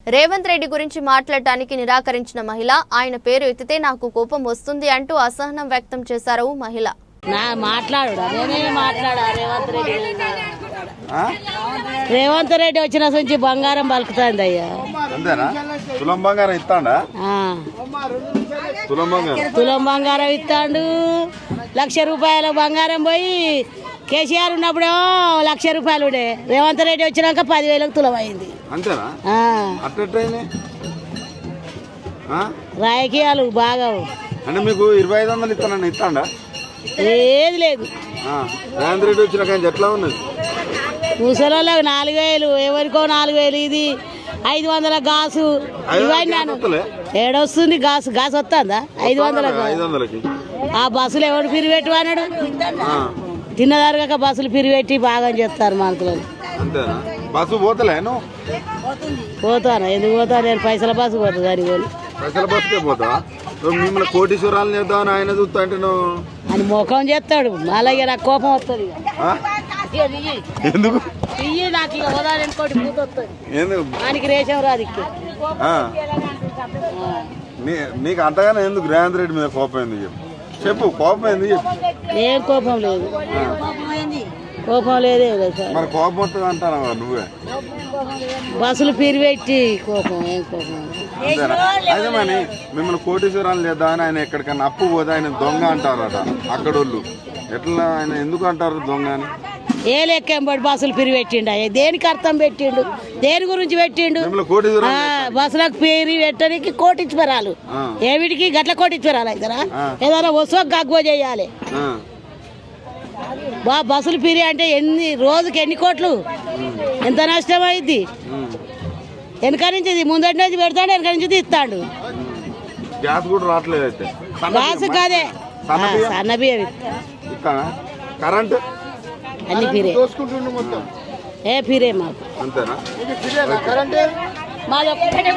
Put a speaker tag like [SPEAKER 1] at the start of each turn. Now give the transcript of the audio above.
[SPEAKER 1] రేవంత్ రెడ్డి గురించి మాట్లాడటానికి నిరాకరించిన మహిళ ఆయన పేరు ఎత్తితే నాకు కోపం వస్తుంది అంటూ అసహనం వ్యక్తం చేశారు మహిళ.
[SPEAKER 2] రేవంత్ రెడ్డి వచ్చిన నుంచి బంగారం పలుకుతుంది అయ్యా.
[SPEAKER 3] తులం బంగారం ఇస్తాడా?
[SPEAKER 2] తులం బంగారం ఇస్తాడు. 1,00,000 రూపాయల బంగారం పోయి కేసీఆర్ ఉన్నప్పుడేమో 1,00,000 రూపాయలు ఉండే. రేవంత్ రెడ్డి వచ్చినాక 10,000కు తులం అయింది. రాజకీయాలు బాగా
[SPEAKER 3] అంటే మీకు 2,500 ఇస్తానని ఇస్తాడా?
[SPEAKER 2] ఏది లేదు.
[SPEAKER 3] రేవంత్ రెడ్డి వచ్చినాక ఎట్లా ఉన్నది?
[SPEAKER 2] ముసలోళ్ళకి 4,000, ఎవరికో 4,000. ఇది 500 గాసు. ఇవన్నీ ఏడొస్తుంది గాసు. గాసు వస్తుందా? 500. ఆ బస్సులు ఎవడు పిరిపెట్టు అన్నాడు. తిన్నదారుగా బస్సులు పిరిపెట్టి బాగా చేస్తారు మనసులో.
[SPEAKER 3] బస్సు పోతలేను
[SPEAKER 2] పోతాను. ఎందుకు పోతాను? నేను పైసల బస్సు పోతా. దానికి
[SPEAKER 3] పైసల బస్సుకే పోతా. మిమ్మల్ని కోటీశ్వరాలు చేద్దామని ఆయన చూస్తా అంటే
[SPEAKER 2] అని ముఖం చేస్తాడు. అలాగే నాకు కోపం వస్తుంది.
[SPEAKER 3] ఎందుకు?
[SPEAKER 2] నాకు ఇక ఉదాహరణ ఇంకోటి పూత వస్తుంది. ఆయనకి రేషం రాదు.
[SPEAKER 3] నీకు అంతగానే ఎందుకు రేవంత్ రెడ్డి మీద కోపం ఎందుకు చెప్పు. కోపం ఎందుకు చెప్పు.
[SPEAKER 2] ఏం కోపం లేదు. కోపం లేదే సార్.
[SPEAKER 3] మరి కోపం వస్తుంది అంటారా నువ్వే?
[SPEAKER 2] బస్సులు పిరిపెట్టి కోపం. ఏం కోపం?
[SPEAKER 3] అదే మరి మిమ్మల్ని కోటీశ్వరాలు లేదా అని ఆయన ఎక్కడికన్నా అప్పు పోతే ఆయన దొంగ అంటారట అక్కడోళ్ళు. ఎట్లా ఆయన ఎందుకు అంటారు దొంగ అని?
[SPEAKER 2] ఏ లెక్కంబడి బస్సులు పిరిపెట్టిండు. దేనికి అర్థం పెట్టిండు? దేని గురించి పెట్టిండు? బస్సులకు పిరి పెట్టడానికి కోటించువరాలు. ఏమిటికి గట్ల కోటించువరాలు అవుతారా? ఏదైనా వస్తువు గగ్గో చేయాలి. బస్సులు పిరి అంటే రోజుకి ఎన్ని కోట్లు? ఎంత నష్టం అయింది? వెనక నుంచి ముందటి నుంచి పెడతాడు, వెనక నుంచి తీస్తాడు.
[SPEAKER 3] గ్యాస్ కూడా రావట్లేదు అయితే.
[SPEAKER 2] గ్యాస్ కాదే సన్న బియ్యం
[SPEAKER 3] కరెంట్
[SPEAKER 2] అన్ని పిరే. ఏ పిరే మాకు.
[SPEAKER 3] అంతేనా?
[SPEAKER 2] మాది